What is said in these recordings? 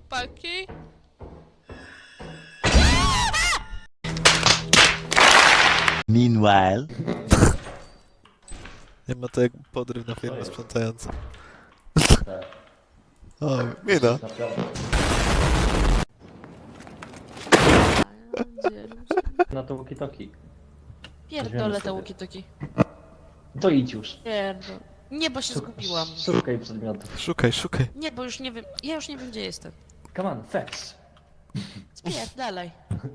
chłopaki? Meanwhile. Nie ma to jak podryw na firmę sprzątającą. Tak. O, mina. Naprawdę. Na to walkie-talkie. Pierdolę te łuki-toki. To idź już. Pierdol. Nie, bo się zgubiłam. Szukaj przedmiotów. Szukaj, szukaj. Nie, bo już nie wiem. Ja już nie wiem, gdzie jestem. Come on, fetch. Spierdalaj.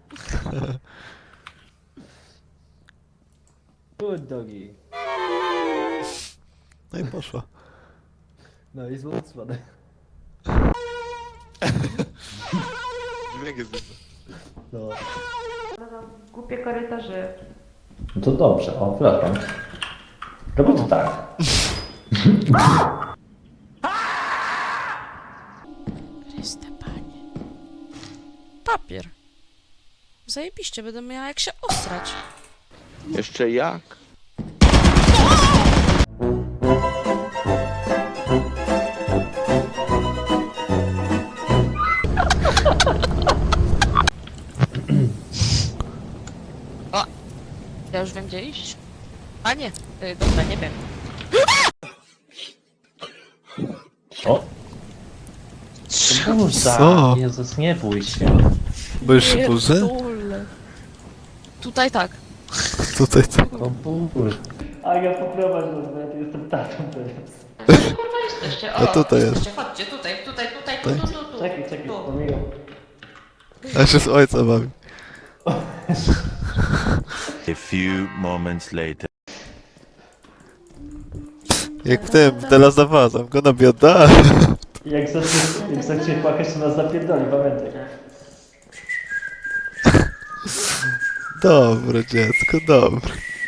Good doggy. No i poszła. No i złot spadek. Dźwięk jest inny. No. Głupie korytarze. No to dobrze, o, przepraszam. Robię to tak. Chryste panie. Papier. Zajebiście, będę miała jak się osrać. Jeszcze jak? O! Ja już wiem, gdzie iść. A nie, dobra, nie wiem. O! Burza! Co? Jezus, nie bój się. Boisz się burzy? Pierdolę. Tutaj tak. Tutaj co? O burz. A ja poprowadź nas, bo ja tu jestem tatą teraz. Kurwa jesteście. A tutaj jest. jesteście. Chodźcie, tutaj, tu. Czekaj, Tu. pomijam. A się z ojca bawi. A few moments later. Jak w tym, w The Last of Us, I'm gonna be a dad. Jak zacznie płakać, to nas zapierdoli, pamiętaj. Dobre dziecko, dobre.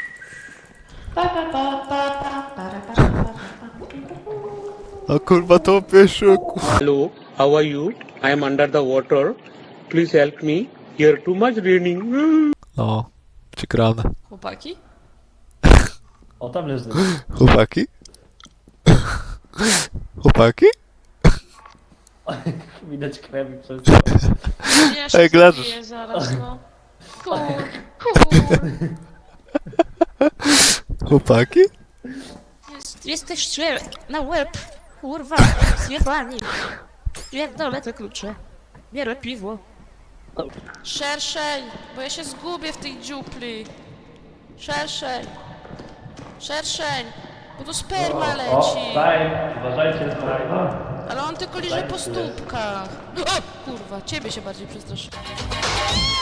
O kurwa, to pieszuku. Hello, how are you? I am under the water. Please help me. Here too much raining. O, przegrane. Chłopaki? O, tam leży. Chłopaki? Chłopaki? Widać krew i przez... Ja się Ej, leżysz. zabiję zaraz, no. Kur. Chłopaki? Jesteś na łeb. Kurwa, zjebani. Pierdolę te klucze. Biorę piwo. Szerszej, bo ja się zgubię w tej dziupli. Szerszej. Szerszeń, bo tu sperma O, leci. time! Uważajcie, time! Ale on tylko liże po stópkach. O, kurwa, ciebie się bardziej przestraszyłem.